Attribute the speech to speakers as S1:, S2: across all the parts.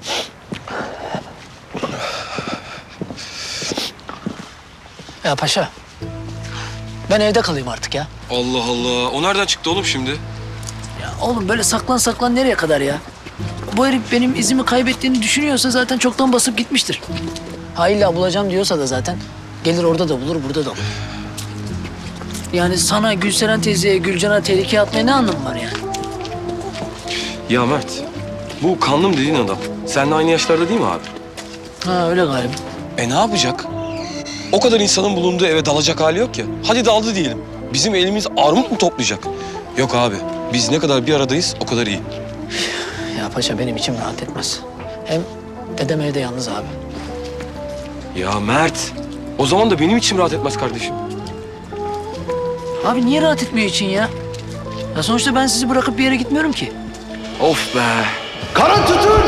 S1: Ya paşa, ben evde kalayım artık ya.
S2: Allah Allah. O nereden çıktı oğlum şimdi?
S1: Ya oğlum böyle saklan saklan nereye kadar ya? Bu herif benim izimi kaybettiğini düşünüyorsa zaten çoktan basıp gitmiştir. Ha illa bulacağım diyorsa da zaten gelir orada da bulur, burada da bulur. Yani sana, Gülseren teyzeye, Gülcan'a tehlikeye atmaya ne anlamı var yani?
S2: Ya Mert, bu kanlım dediğin adam seninle aynı yaşlarda değil mi abi?
S1: Ha öyle galiba.
S2: Ne yapacak? O kadar insanın bulunduğu eve dalacak hali yok ya. Hadi daldı diyelim. Bizim elimiz armut mu toplayacak? Yok abi. Biz ne kadar bir aradayız o kadar iyi.
S1: Ya paşa benim içim rahat etmez. Hem dedem evde yalnız abi.
S2: Ya Mert, o zaman da benim içim rahat etmez kardeşim.
S1: Abi niye rahat etmiyor için ya? Ya sonuçta ben sizi bırakıp bir yere gitmiyorum ki.
S2: Of be.
S3: Kara tütün!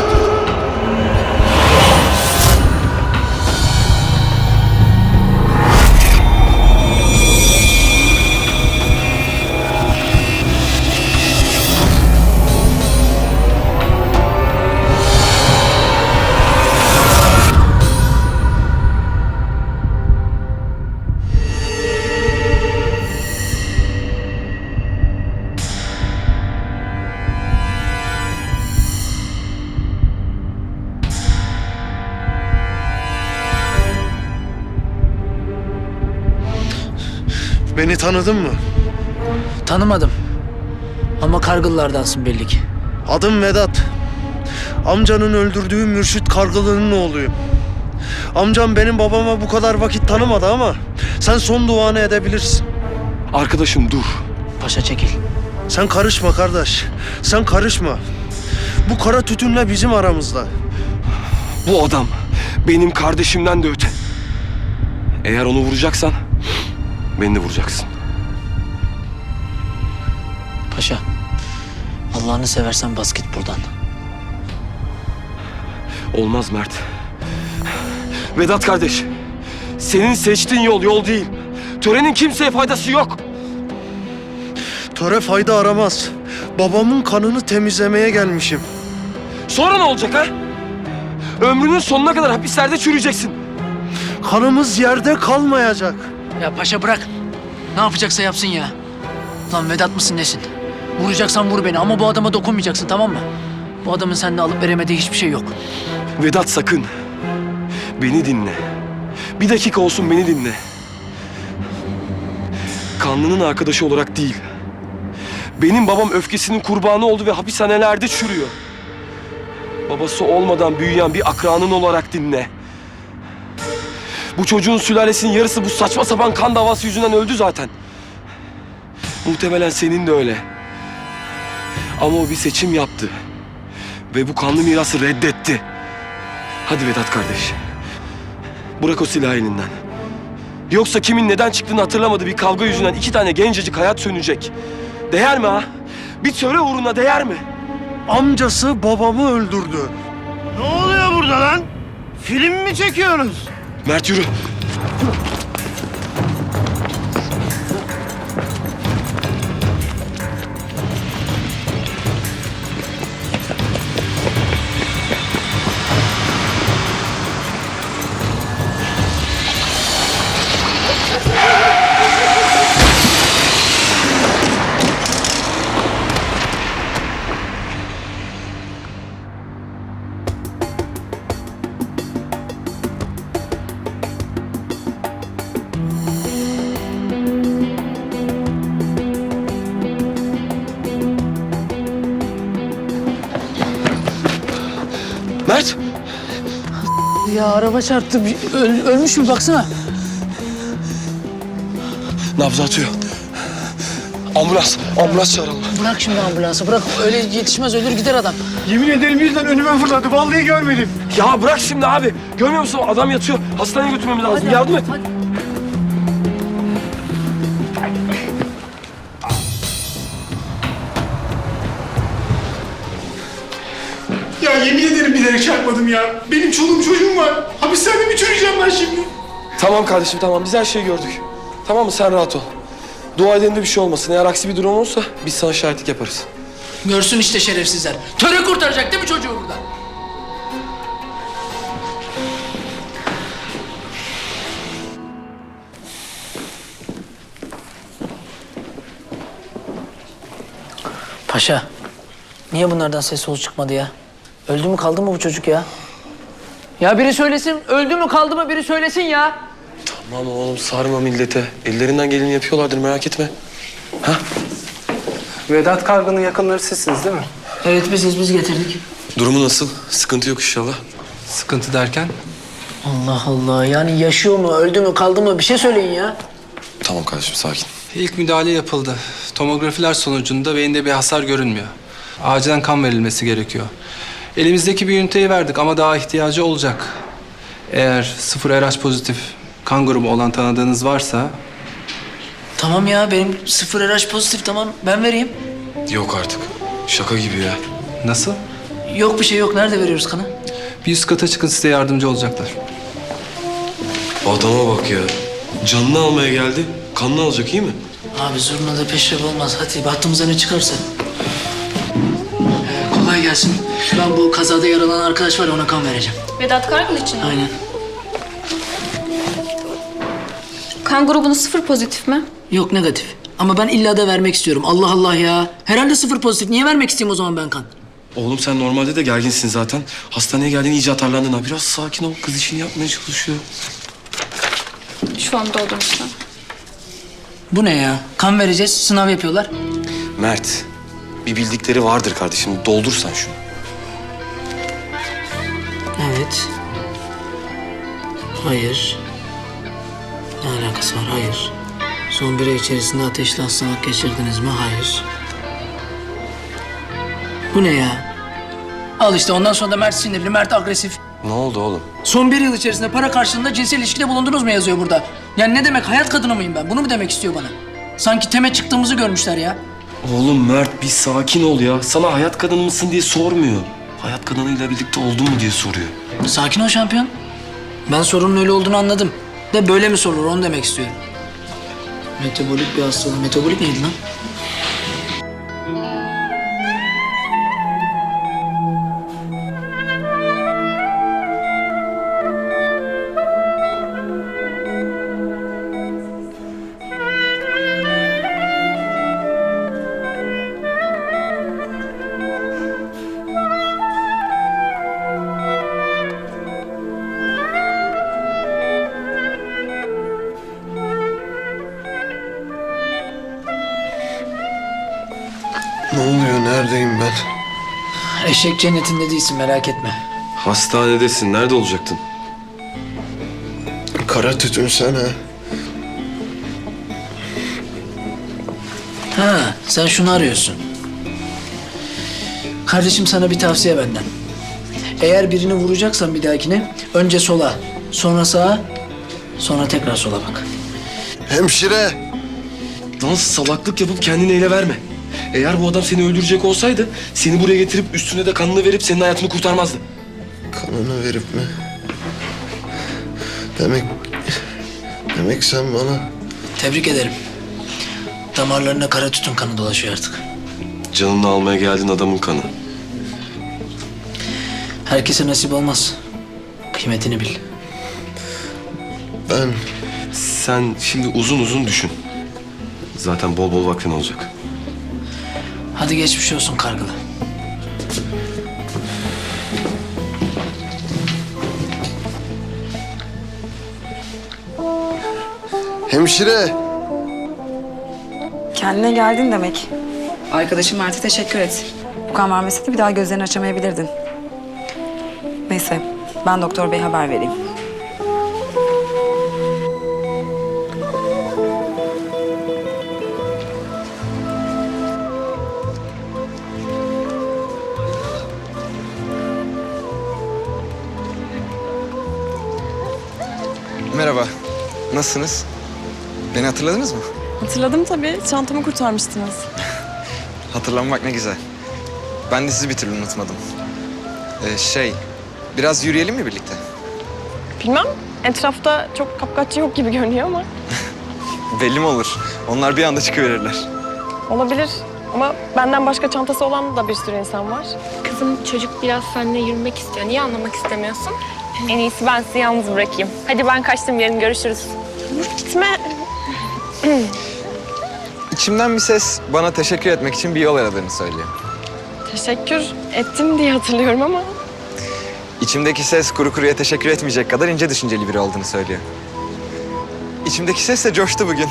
S3: Beni tanıdın mı?
S1: Tanımadım. Ama Kargıllardansın belli ki.
S3: Adım Vedat. Amcanın öldürdüğü Mürşit Kargılı'nın oğluyum. Amcam benim babama bu kadar vakit tanımadı ama sen son duanı edebilirsin.
S2: Arkadaşım dur.
S1: Paşa çekil.
S3: Sen karışma kardeş. Sen karışma. Bu kara tütünle bizim aramızda.
S2: Bu adam benim kardeşimden de öte. Eğer onu vuracaksan beni de vuracaksın.
S1: Paşa, Allah'ını seversen bas git buradan.
S2: Olmaz Mert. Vedat kardeş, senin seçtiğin yol değil. Törenin kimseye faydası yok.
S3: Töre fayda aramaz. Babamın kanını temizlemeye gelmişim.
S2: Sonra ne olacak ha? Ömrünün sonuna kadar hapislerde çürüyeceksin.
S3: Kanımız yerde kalmayacak.
S1: Ya paşa bırak. Ne yapacaksa yapsın ya. Lan Vedat mısın nesin? Vuracaksan vur beni ama bu adama dokunmayacaksın, tamam mı? Bu adamın seninle alıp veremediği hiçbir şey yok.
S2: Vedat sakın. Beni dinle. Bir dakika olsun beni dinle. Kanlının arkadaşı olarak değil. Benim babam öfkesinin kurbanı oldu ve hapishanelerde çürüyor. Babası olmadan büyüyen bir akranın olarak dinle. Bu çocuğun sülalesinin yarısı bu saçma sapan kan davası yüzünden öldü zaten. Muhtemelen senin de öyle. Ama o bir seçim yaptı. Ve bu kanlı mirası reddetti. Hadi Vedat kardeş. Bırak o silahı elinden. Yoksa kimin neden çıktığını hatırlamadığı bir kavga yüzünden 2 tane gencecik hayat sönecek. Değer mi ha? Bir töre uğruna değer mi?
S3: Amcası babamı öldürdü.
S4: Ne oluyor burada lan? Film mi çekiyorsunuz?
S2: Mert yürü. Mert!
S1: Ya araba çarptı. Ölmüş mü baksana.
S2: Nabzı atıyor. Ambulans çağıralım.
S1: Bırak şimdi ambulansı, bırak. Öyle yetişmez, ölür gider adam.
S4: Yemin ederim birden önüme fırladı. Vallahi görmedim.
S2: Ya bırak şimdi abi. Görmüyor musun? Adam yatıyor. Hastaneye götürmemiz lazım. Yardım et.
S1: Hadi.
S4: Ya yemin ederim bilerek çarpmadım ya. Benim çoluğum çocuğum var. Hapishanede mi çürüyeceğim ben şimdi?
S2: Tamam kardeşim tamam. Biz her şeyi gördük. Tamam mı? Sen rahat ol. Dua edelim de bir şey olmasın. Eğer aksi bir durum olursa biz sana şahitlik yaparız.
S1: Görsün işte şerefsizler. Töre kurtaracak değil mi çocuğu burada? Paşa, niye bunlardan ses soluk çıkmadı ya? Öldü mü kaldı mı bu çocuk ya? Ya biri söylesin, öldü mü kaldı mı biri söylesin ya.
S2: Tamam oğlum sarma millete. Ellerinden geleni yapıyorlardır merak etme. Ha?
S5: Vedat Kargı'nın yakınları sizsiniz değil mi?
S1: Evet biz getirdik.
S2: Durumu nasıl? Sıkıntı yok inşallah.
S5: Sıkıntı derken?
S1: Allah Allah, yani yaşıyor mu, öldü mü, kaldı mı bir şey söyleyin ya.
S2: Tamam kardeşim sakin.
S5: İlk müdahale yapıldı. Tomografiler sonucunda beyinde bir hasar görünmüyor. Acilen kan verilmesi gerekiyor. Elimizdeki bir üniteyi verdik ama daha ihtiyacı olacak. Eğer 0 RH pozitif kan grubu olan tanıdığınız varsa...
S1: Tamam ya, benim 0 RH pozitif, tamam ben vereyim.
S2: Yok artık. Şaka gibi ya.
S5: Nasıl?
S1: Yok bir şey yok, nerede veriyoruz kanı?
S5: Bir üst kata çıkın, size yardımcı olacaklar.
S2: Adama bak ya. Canını almaya geldi. Kanını alacak iyi mi?
S1: Abi zurna da peşref olmaz, hadi bahtımıza ne çıkarsa. Kolay gelsin. Ben bu kazada yaralanan arkadaş var ya, ona kan vereceğim.
S6: Vedat Kargıl için mi?
S1: Aynen.
S6: Kan grubunuz 0 pozitif mi?
S1: Yok negatif. Ama ben illa da vermek istiyorum. Allah Allah ya. Herhalde 0 pozitif. Niye vermek isteyeyim o zaman ben kan?
S2: Oğlum sen normalde de gerginsin zaten. Hastaneye geldiğin iyice atarlandın ha. Biraz sakin ol. Kız işini yapmaya çalışıyor.
S6: Şu an doldurmuşlar.
S1: Bu ne ya? Kan vereceğiz, sınav yapıyorlar.
S2: Mert, bir bildikleri vardır kardeşim. Doldur sen şunu.
S1: Evet. Hayır. Ne alakası var? Hayır. Son bir ay içerisinde ateşli hastalık geçirdiniz mi? Hayır. Bu ne ya? Al işte, ondan sonra da Mert sinirli, Mert agresif.
S2: Ne oldu oğlum?
S1: Son bir yıl içerisinde para karşılığında cinsel ilişkide bulundunuz mu yazıyor burada. Yani ne demek, hayat kadını mıyım ben? Bunu mu demek istiyor bana? Sanki teme çıktığımızı görmüşler ya.
S2: Oğlum Mert bir sakin ol ya. Sana hayat kadını mısın diye sormuyor. Hayat kadınıyla birlikte oldun mu diye soruyor.
S1: Sakin ol şampiyon. Ben sorunun öyle olduğunu anladım. De böyle mi sorulur onu demek istiyorum. Metabolik bir hastalık. Metabolik neydi lan?
S3: Ne oluyor? Neredeyim ben?
S1: Eşek cennetinde değilsin, merak etme.
S2: Hastanedesin. Nerede olacaktın?
S3: Kara tütün sen ha.
S1: Ha, sen şunu arıyorsun. Kardeşim sana bir tavsiye benden. Eğer birini vuracaksan bir dahakine önce sola, sonra sağa, sonra tekrar sola bak.
S3: Hemşire!
S2: Lan salaklık yapıp kendini ele verme. Eğer bu adam seni öldürecek olsaydı seni buraya getirip üstüne de kanını verip senin hayatını kurtarmazdı.
S3: Kanını verip mi? Demek sen bana...
S1: Tebrik ederim. Damarlarına kara tütün kanı dolaşıyor artık.
S2: Canını almaya geldin adamın kanı.
S1: Herkese nasip olmaz. Kıymetini bil.
S3: Ben...
S2: Sen şimdi uzun uzun düşün. Zaten bol bol vaktin olacak.
S1: Hadi geçmiş olsun Kargılı.
S3: Hemşire!
S7: Kendine geldin demek. Arkadaşım Mert'e teşekkür et. Bu kan vermeseydi bir daha gözlerini açamayabilirdin. Neyse, ben doktor beye haber vereyim.
S8: Merhaba. Nasılsınız? Beni hatırladınız mı?
S9: Hatırladım tabii. Çantamı kurtarmıştınız.
S8: Hatırlanmak ne güzel. Ben de sizi bir türlü unutmadım. Biraz yürüyelim mi birlikte?
S9: Bilmem. Etrafta çok kapkaççı yok gibi görünüyor ama.
S8: Belli mi olur? Onlar bir anda çıkıverirler.
S9: Olabilir. Ama benden başka çantası olan da bir sürü insan var.
S10: Kızım çocuk biraz seninle yürümek istiyor. Niye anlamak istemiyorsun? En iyisi ben sizi yalnız bırakayım. Hadi ben kaçtım, yarın görüşürüz.
S9: Gitme.
S8: İçimden bir ses bana teşekkür etmek için bir yol aradığını söylüyor.
S9: Teşekkür ettim diye hatırlıyorum ama...
S8: İçimdeki ses kuru kuruya teşekkür etmeyecek kadar ince düşünceli biri olduğunu söylüyor. İçimdeki ses de coştu bugün.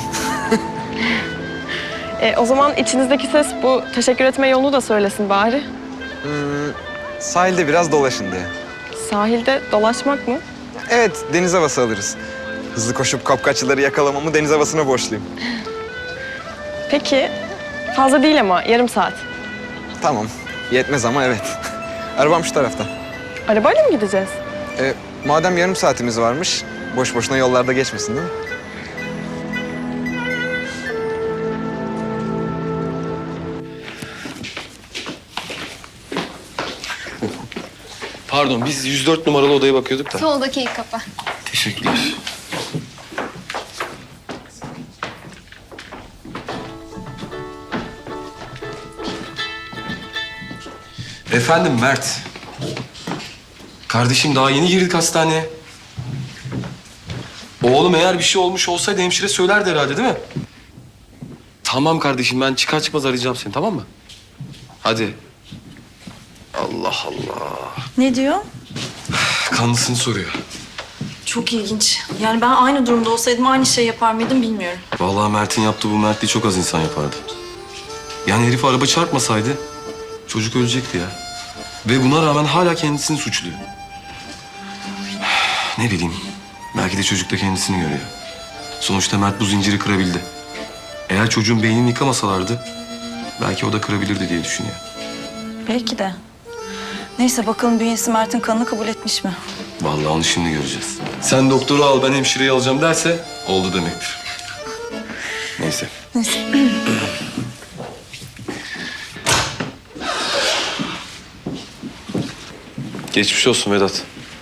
S9: O zaman içinizdeki ses bu teşekkür etme yolunu da söylesin bari.
S8: Sahilde biraz dolaşın diye.
S9: Sahilde dolaşmak mı?
S8: Evet, deniz havası alırız. Hızlı koşup kapkaççıları yakalamamı deniz havasına borçluyum.
S9: Peki, fazla değil ama yarım saat.
S8: Tamam, yetmez ama evet. Arabam şu tarafta.
S9: Arabayla mı gideceğiz?
S8: Madem yarım saatimiz varmış, boş boşuna yollarda geçmesin değil mi?
S2: Pardon, biz 104 numaralı odaya bakıyorduk da.
S10: Soldaki ilk kapı.
S2: Teşekkürler. Efendim Mert. Kardeşim daha yeni girdik hastaneye. Oğlum eğer bir şey olmuş olsaydı hemşire söylerdi herhalde değil mi? Tamam kardeşim ben çıkar çıkmaz arayacağım seni tamam mı? Hadi. Allah Allah.
S11: Ne diyor?
S2: Kanlısını soruyor.
S11: Çok ilginç. Yani ben aynı durumda olsaydım aynı şey yapar mıydım bilmiyorum.
S2: Vallahi Mert'in yaptığı bu mertliği çok az insan yapardı. Yani herif araba çarpmasaydı çocuk ölecekti ya. Ve buna rağmen hala kendisini suçluyor. Ne bileyim, belki de çocuk da kendisini görüyor. Sonuçta Mert bu zinciri kırabildi. Eğer çocuğun beynini yıkamasalardı belki o da kırabilirdi diye düşünüyor.
S11: Belki de. Neyse bakalım bünyesi Mert'in kanını kabul etmiş mi?
S2: Vallahi onu şimdi göreceğiz. Sen doktoru al ben hemşireyi alacağım derse oldu demektir. Neyse.
S11: Neyse.
S2: Geçmiş olsun Vedat.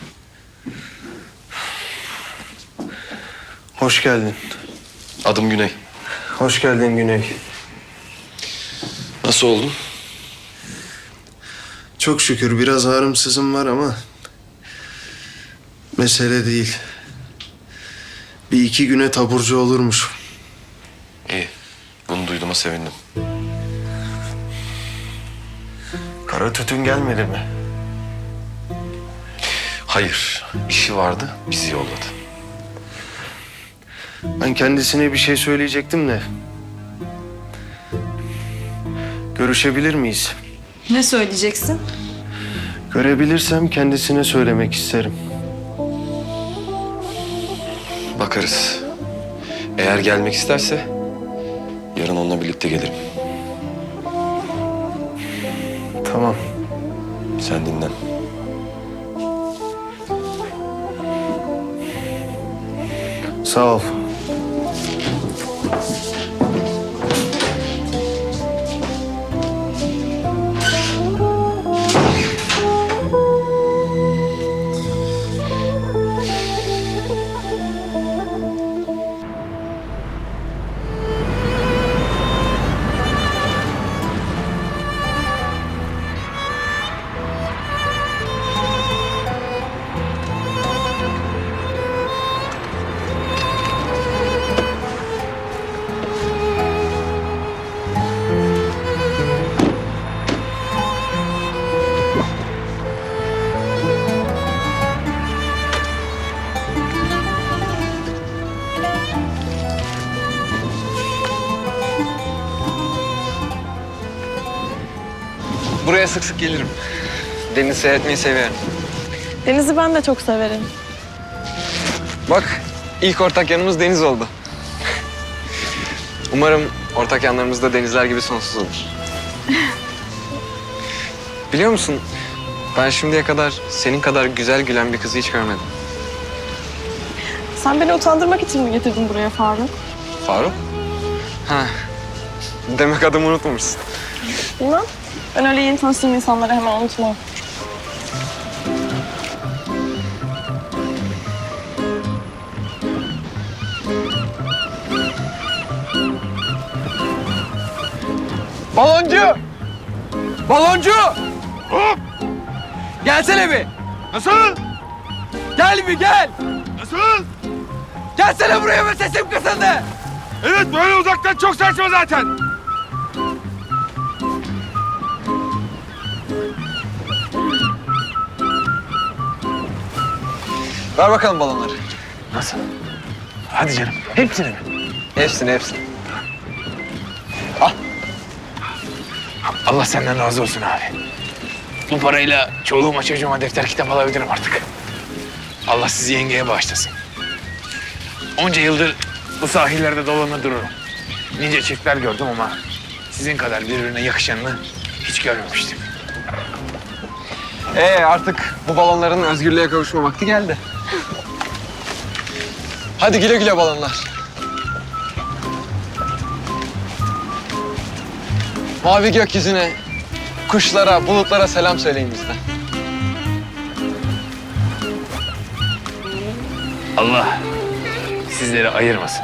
S3: Hoş geldin.
S2: Adım Güney.
S3: Hoş geldin Güney.
S2: Nasıl oldun?
S3: Çok şükür biraz ağrım var ama mesele değil. Bir iki güne taburcu olurmuş.
S2: İyi. Bunu duyduğuma sevindim.
S3: Kara tütün gelmedi mi?
S2: Hayır. işi vardı. Bizi yolladı.
S3: Ben kendisine bir şey söyleyecektim de. Görüşebilir miyiz?
S11: Ne söyleyeceksin?
S3: Görebilirsem kendisine söylemek isterim.
S2: Bakarız. Eğer gelmek isterse yarın onunla birlikte gelirim.
S3: Tamam.
S2: Sen dinlen.
S3: Sağ ol.
S8: Buraya sık sık gelirim. Deniz seyretmeyi seviyorum.
S9: Deniz'i ben de çok severim.
S8: Bak, ilk ortak yanımız deniz oldu. Umarım ortak yanlarımız da denizler gibi sonsuz olur. Biliyor musun, ben şimdiye kadar senin kadar güzel gülen bir kızı hiç görmedim.
S9: Sen beni utandırmak için mi getirdin buraya Faruk?
S8: Faruk? Ha, demek adımı unutmamışsın.
S9: Bilmem. Ben öyle yeni tanıştığım insanları hemen unutmam.
S8: Baloncu! Baloncu! Hop! Gelsene bir.
S2: Nasıl?
S8: Gel bir gel.
S2: Nasıl?
S8: Gelsene buraya be, sesim kısıldı.
S2: Evet, böyle uzaktan çok saçma zaten.
S8: Ver bakalım balonları.
S4: Nasıl? Hadi canım. Hepsini mi?
S8: Hepsini hepsini.
S4: Allah senden razı olsun abi. Bu parayla çoluğuma çocuğuma defter kitap alabilirim artık. Allah sizi yengeye bağışlasın. Onca yıldır bu sahillerde dolanır dururum. Nice çiftler gördüm ama sizin kadar birbirine yakışanını hiç görmemiştim.
S8: Artık bu balonların özgürlüğe kavuşma vakti geldi. Hadi güle güle balonlar. Mavi gökyüzüne, kuşlara, bulutlara selam söyleyin bizden.
S4: Allah sizleri ayırmasın.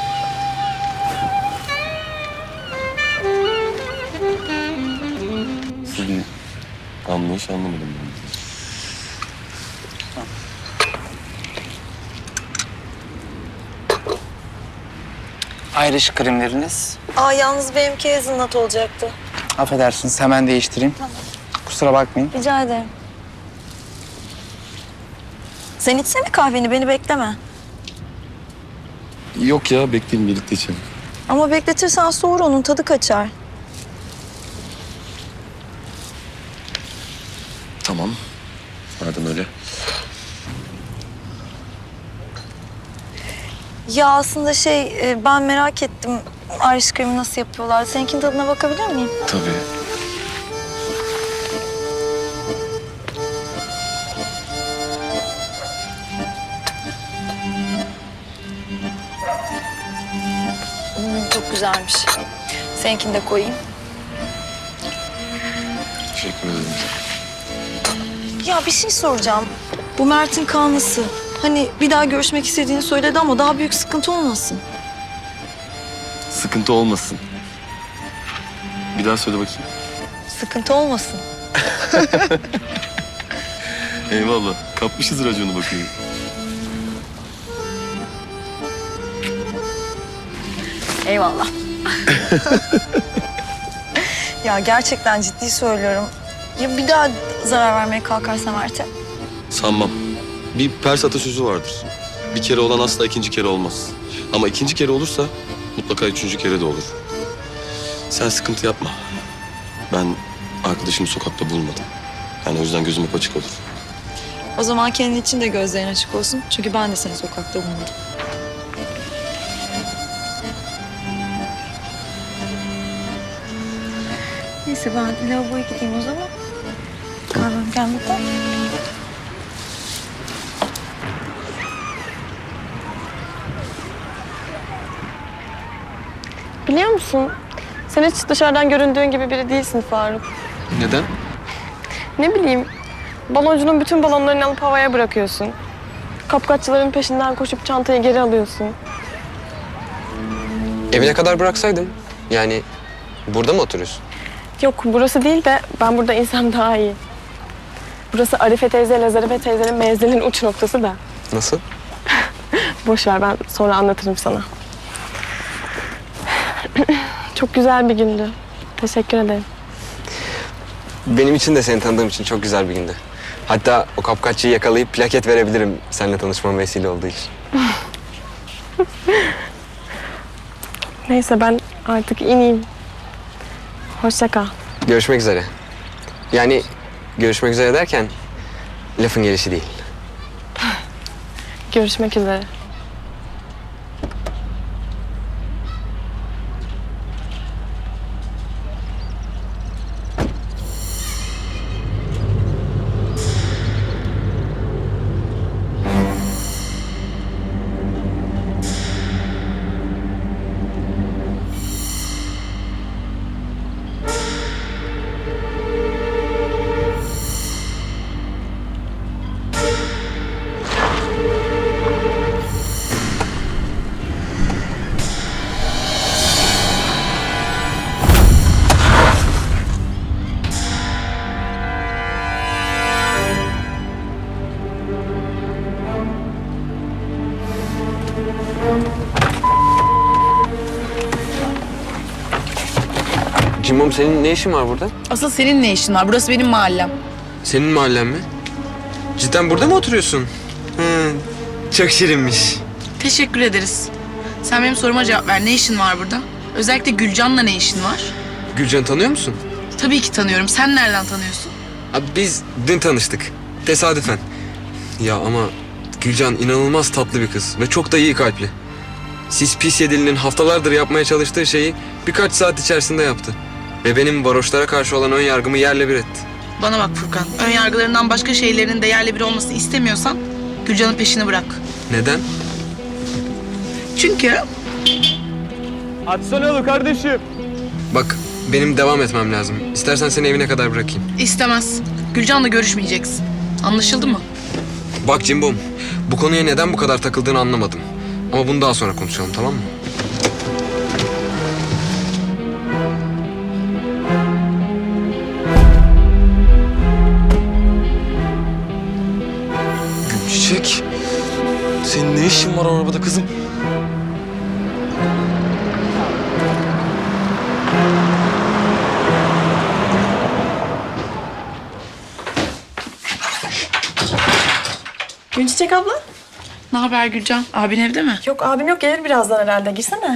S2: Sizin anlayış anlamadım ben.
S12: Ayrış kremleriniz.
S11: Yalnız benimki hazelnut olacaktı.
S12: Affedersiniz, hemen değiştireyim. Kusura bakmayın.
S11: Rica ederim. Sen içsene kahveni, beni bekleme.
S2: Yok ya, bekleyin, birlikte içelim.
S11: Ama bekletirsen soğur, onun tadı kaçar.
S2: Tamam. Madem öyle.
S11: Ya aslında ben merak ettim. Irish cream'i nasıl yapıyorlar? Seninkinin tadına bakabilir miyim?
S2: Tabii.
S11: Çok güzelmiş. Seninkini de koyayım.
S2: Teşekkür ederim.
S11: Ya bir şey soracağım. Bu Mert'in kanlısı. Hani bir daha görüşmek istediğini söyledi ama daha büyük sıkıntı olmasın.
S2: Sıkıntı olmasın. Bir daha söyle bakayım.
S11: Sıkıntı olmasın.
S2: Eyvallah. Kapmışız raconu bakayım.
S11: Eyvallah. Ya gerçekten ciddi söylüyorum. Ya bir daha zarar vermeye kalkarsa Mert'e?
S2: Sanmam. Bir Pers atasözü vardır. Bir kere olan asla ikinci kere olmaz. Ama ikinci kere olursa mutlaka üçüncü kere de olur. Sen sıkıntı yapma. Ben arkadaşımı sokakta bulmadım. Yani o yüzden gözüm hep açık olur.
S11: O zaman kendin için de gözlerin açık olsun. Çünkü ben de seni sokakta bulmadım. Neyse ben lavaboya gideyim o zaman. Kahvem gelmeden.
S9: Biliyor musun? Sen hiç dışarıdan göründüğün gibi biri değilsin Faruk.
S8: Neden?
S9: Ne bileyim, baloncunun bütün balonlarını alıp havaya bırakıyorsun. Kapkaççıların peşinden koşup çantayı geri alıyorsun.
S8: Evine kadar bıraksaydım. Yani burada mı oturuyorsun?
S9: Yok, burası değil de ben burada insem daha iyi. Burası Arife teyze ile Zarife teyzenin menzilin uç noktası da.
S8: Nasıl?
S9: Boş ver, ben sonra anlatırım sana. Çok güzel bir gündü. Teşekkür ederim.
S8: Benim için de seni tanıdığım için çok güzel bir gündü. Hatta o kapkaççıyı yakalayıp plaket verebilirim seninle tanışmam vesile olduğu için.
S9: Neyse ben artık ineyim. Hoşça kal.
S8: Görüşmek üzere. Yani görüşmek üzere derken lafın gelişi değil.
S9: Görüşmek üzere.
S8: Cimbom senin ne işin var burada?
S7: Asıl senin ne işin var? Burası benim mahallem.
S8: Senin mahallen mi? Cidden burada mı oturuyorsun? Hı, çok şirinmiş.
S7: Teşekkür ederiz. Sen benim soruma cevap ver. Ne işin var burada? Özellikle Gülcan'la ne işin var?
S8: Gülcan'ı tanıyor musun?
S7: Tabii ki tanıyorum. Sen nereden tanıyorsun?
S8: Abi biz dün tanıştık. Tesadüfen. Ya ama Gülcan inanılmaz tatlı bir kız ve çok da iyi kalpli. Sis pis yedilinin haftalardır yapmaya çalıştığı şeyi birkaç saat içerisinde yaptı. Ve benim varoşlara karşı olan ön yargımı yerle bir etti.
S7: Bana bak Furkan. Ön yargılarından başka şeylerin de yerle bir olmasını istemiyorsan Gülcan'ın peşini bırak.
S8: Neden?
S7: Çünkü
S2: Açsana yolu kardeşim.
S8: Bak benim devam etmem lazım. İstersen seni evine kadar bırakayım.
S7: istemez. Gülcan'la görüşmeyeceksin. Anlaşıldı mı?
S8: Bak Cimbom, bu konuya neden bu kadar takıldığını anlamadım. Ama bunu daha sonra konuşalım, tamam mı?
S2: Gülçiçek, senin ne işin var arabada kızım?
S9: Günçiçek abla?
S7: Ne haber Gülcan? Abin evde mi?
S9: Yok abim yok, gelir birazdan herhalde. Girsene.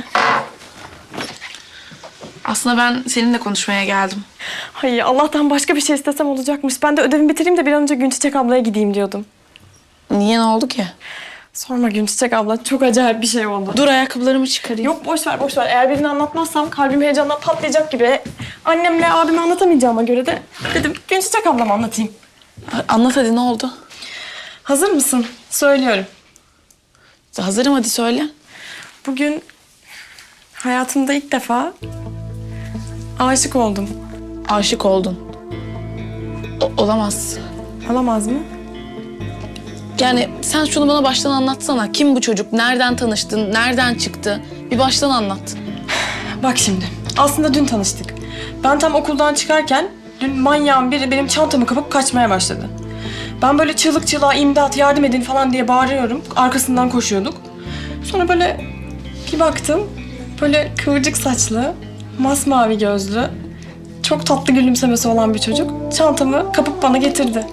S7: Aslında ben seninle konuşmaya geldim.
S9: Hayır, Allah'tan başka bir şey istesem olacakmış. Ben de ödevimi bitireyim de bir an önce Günçiçek ablaya gideyim diyordum.
S7: Niye, ne oldu ki?
S9: Sorma Günçiçek abla, çok acayip bir şey oldu.
S7: Dur ayakkabılarımı çıkarayım.
S9: Yok boş ver boş ver. Eğer birini anlatmazsam kalbim heyecandan patlayacak gibi. Annemle abime anlatamayacağıma göre de dedim Günçiçek ablama anlatayım.
S7: Anlat hadi, ne oldu?
S9: Hazır mısın? Söylüyorum.
S7: Hazırım, hadi söyle.
S9: Bugün hayatımda ilk defa aşık oldum.
S7: Aşık oldun. Olamaz.
S9: Olamaz mı?
S7: Yani sen şunu bana baştan anlatsana. Kim bu çocuk? Nereden tanıştın? Nereden çıktı? Bir baştan anlat.
S9: Bak şimdi. Aslında dün tanıştık. Ben tam okuldan çıkarken dün manyağın biri benim çantamı kapıp kaçmaya başladı. Ben böyle çığlık çığlığa imdat yardım edin falan diye bağırıyorum. Arkasından koşuyorduk. Sonra böyle bir baktım. Böyle kıvırcık saçlı, masmavi gözlü, çok tatlı gülümsemesi olan bir çocuk çantamı kapıp bana getirdi.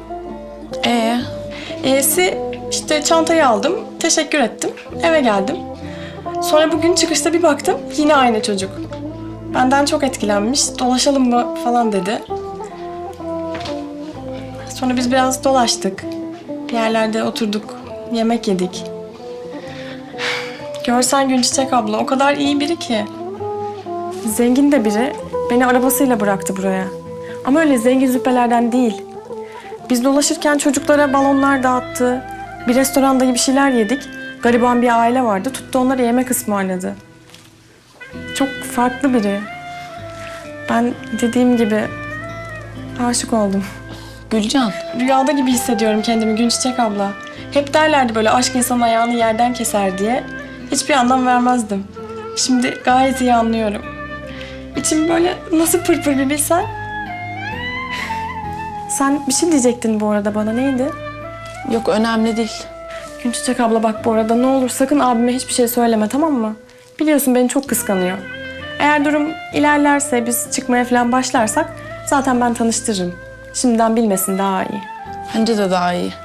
S9: E'si işte çantayı aldım, teşekkür ettim, eve geldim. Sonra bugün çıkışta bir baktım, yine aynı çocuk. Benden çok etkilenmiş, dolaşalım mı falan dedi. Sonra biz biraz dolaştık. Bir yerlerde oturduk, yemek yedik. Görsen Günçiçek abla o kadar iyi biri ki. Zengin de biri, beni arabasıyla bıraktı buraya. Ama öyle zengin züppelerden değil. Biz dolaşırken çocuklara balonlar dağıttı. Bir restoranda bir şeyler yedik. Gariban bir aile vardı. Tuttu onlara yemek ısmarladı. Çok farklı biri. Ben dediğim gibi aşık oldum.
S7: Gülcan.
S9: Rüyada gibi hissediyorum kendimi Günçiçek abla. Hep derlerdi böyle aşk insanın ayağını yerden keser diye. Hiçbir anlam vermezdim. Şimdi gayet iyi anlıyorum. İçim böyle nasıl pırpır bir bilsen. Sen bir şey diyecektin bu arada bana, neydi?
S7: Yok, önemli değil.
S9: Günçiçek abla bak bu arada ne olur sakın abime hiçbir şey söyleme, tamam mı? Biliyorsun beni çok kıskanıyor. Eğer durum ilerlerse biz çıkmaya falan başlarsak zaten ben tanıştırırım. Şimdiden bilmesin daha iyi.
S7: Bence de daha iyi.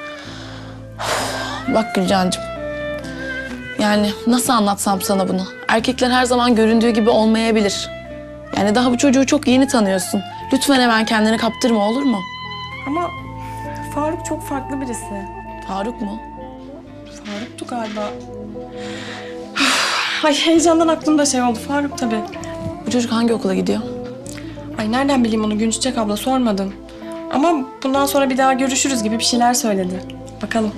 S7: Bak Gülcancığım. Yani nasıl anlatsam sana bunu? Erkekler her zaman göründüğü gibi olmayabilir. Yani daha bu çocuğu çok yeni tanıyorsun. Lütfen hemen kendini kaptırma, olur mu?
S9: Ama Faruk çok farklı birisi.
S7: Faruk mu?
S9: Faruk'tu galiba. Ay heyecandan aklımda şey oldu. Faruk tabii.
S7: Bu çocuk hangi okula gidiyor?
S9: Ay nereden bileyim onu Günçiçek abla, sormadım. Ama bundan sonra bir daha görüşürüz gibi bir şeyler söyledi. Bakalım.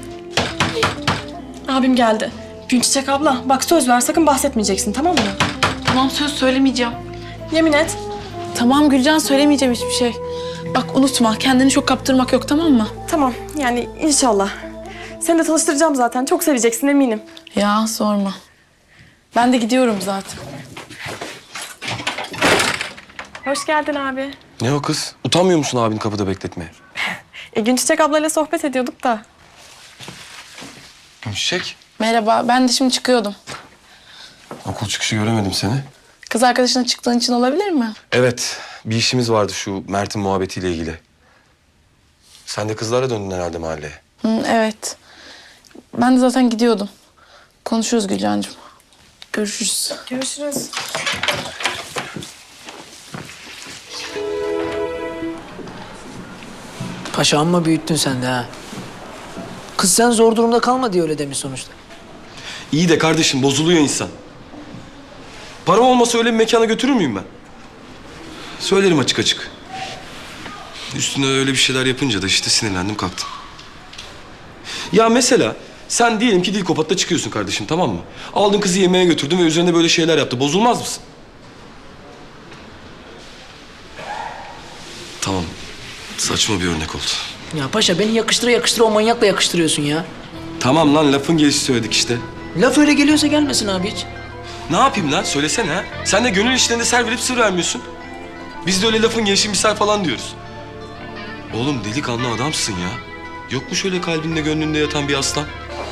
S9: Abim geldi. Günçiçek abla bak söz ver, sakın bahsetmeyeceksin, tamam mı?
S7: Tamam, söz söylemeyeceğim.
S9: Yemin et.
S7: Tamam Gülcan, söylemeyeceğim hiçbir şey. Bak unutma, kendini çok kaptırmak yok, tamam mı?
S9: Tamam yani inşallah. Seni de tanıştıracağım zaten. Çok seveceksin eminim.
S7: Ya sorma. Ben de gidiyorum zaten.
S9: Hoş geldin abi.
S2: Ne o kız? Utanmıyor musun abini kapıda bekletmeye?
S9: Günçiçek ablayla sohbet ediyorduk da.
S2: Gülçiçek,
S7: Merhaba, ben de şimdi çıkıyordum.
S2: okul çıkışı göremedim seni.
S7: Kız arkadaşına çıktığın için olabilir mi?
S2: Evet, bir işimiz vardı şu Mert'in muhabbetiyle ilgili. Sen de kızlara döndün herhalde mahalleye.
S7: Evet. Ben de zaten gidiyordum. Konuşuruz Gülcancığım. Görüşürüz.
S9: Görüşürüz.
S1: Paşa amma büyüttün sen de ha. Kız sen zor durumda kalma diye öyle demiş sonuçta.
S2: İyi de kardeşim bozuluyor insan. Param olmasa öyle bir mekana götürür müyüm ben? Söylerim açık açık. Üstüne öyle bir şeyler yapınca da işte sinirlendim kalktım. Ya mesela sen diyelim ki Dilkopat'ta çıkıyorsun kardeşim, tamam mı? Aldın kızı yemeğe götürdün ve üzerine böyle şeyler yaptı. Bozulmaz mısın? Tamam. Saçma bir örnek oldu.
S1: Ya paşa beni yakıştıra yakıştıra o manyakla yakıştırıyorsun ya.
S2: Tamam lan, lafın gelişi söyledik işte.
S1: Laf öyle geliyorsa gelmesin abi hiç.
S2: Ne yapayım lan? Söylesene ha. Sen de gönül işlerinde ser verip sır vermiyorsun. Biz de öyle lafın gelişi misal falan diyoruz. Oğlum delikanlı adamsın ya. Yok mu şöyle kalbinde gönlünde yatan bir aslan?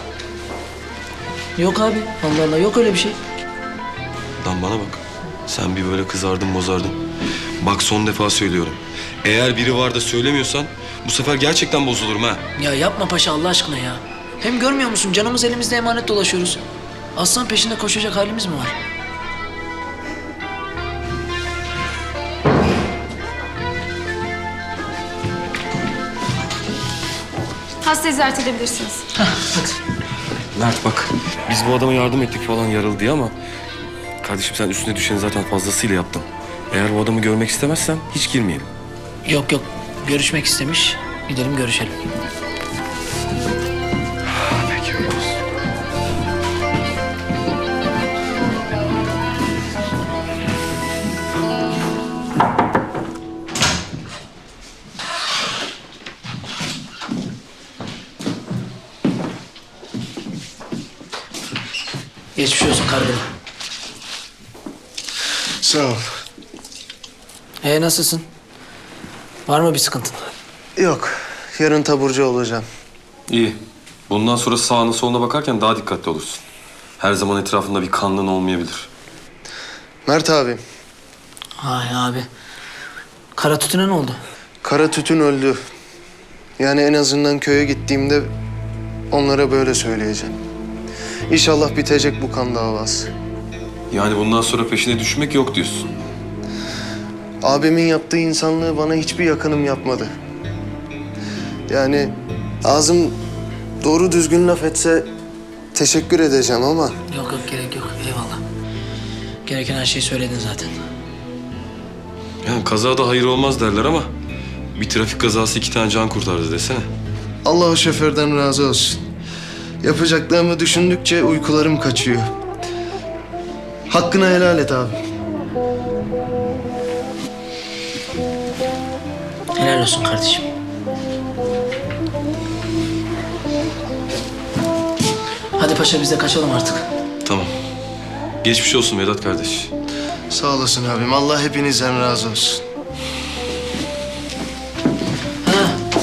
S1: Yok abi. Allah Allah yok öyle bir şey.
S2: Lan bana bak. Sen bir böyle kızardın bozardın. Bak son defa söylüyorum. Eğer biri var da söylemiyorsan bu sefer gerçekten bozulurum ha.
S1: Ya yapma paşa Allah aşkına ya. Hem görmüyor musun canımız elimizde emanet dolaşıyoruz. Aslan peşinde koşacak halimiz mi var?
S6: Hastayı ziyaret edebilirsiniz.
S1: Hadi.
S2: Mert bak. Biz bu adama yardım ettik falan yaralı diye ama... Kardeşim sen üstüne düşeni zaten fazlasıyla yaptın. Eğer bu adamı görmek istemezsen hiç girmeyelim.
S1: Yok yok. Görüşmek istemiş. Gidelim görüşelim.
S2: Peki öyle olsun.
S1: Geçmiş olsun kargılı.
S3: Sağ ol.
S1: Nasılsın? Var mı bir sıkıntın?
S3: Yok. Yarın taburcu olacağım.
S2: İyi. Bundan sonra sağına soluna bakarken daha dikkatli olursun. Her zaman etrafında bir kanlın olmayabilir.
S3: Mert abi.
S1: Ay abi. Kara tütüne ne oldu?
S3: Kara tütün öldü. Yani en azından köye gittiğimde onlara böyle söyleyeceğim. İnşallah bitecek bu kan davası.
S2: Yani bundan sonra peşine düşmek yok diyorsun.
S3: Abimin yaptığı insanlığı bana hiçbir yakınım yapmadı. Yani ağzım doğru düzgün laf etse teşekkür edeceğim ama...
S1: Yok yok gerek yok. Eyvallah. Gereken her şeyi söyledin zaten.
S2: Yani kazada hayır olmaz derler ama... Bir trafik kazası 2 tane can kurtardı desene.
S3: Allah o şoförden razı olsun. Yapacaklarımı düşündükçe uykularım kaçıyor. Hakkını helal et abi.
S1: Helal olsun kardeşim. Hadi paşa biz de kaçalım artık.
S2: Tamam. Geçmiş olsun Vedat kardeş.
S3: Sağ olasın abim. Allah hepinizden razı olsun.
S1: Ha.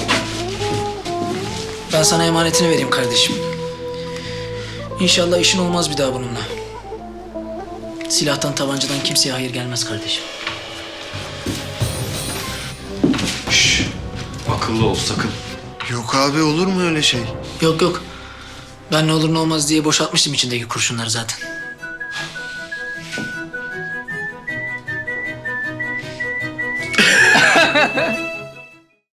S1: Ben sana emanetini vereyim kardeşim. İnşallah işin olmaz bir daha bununla. Silahtan, tabancadan kimseye hayır gelmez kardeşim.
S2: Şşş. Akıllı ol sakın.
S3: Yok abi olur mu öyle şey?
S1: Yok yok. Ben ne olur ne olmaz diye boşaltmıştım içindeki kurşunları zaten.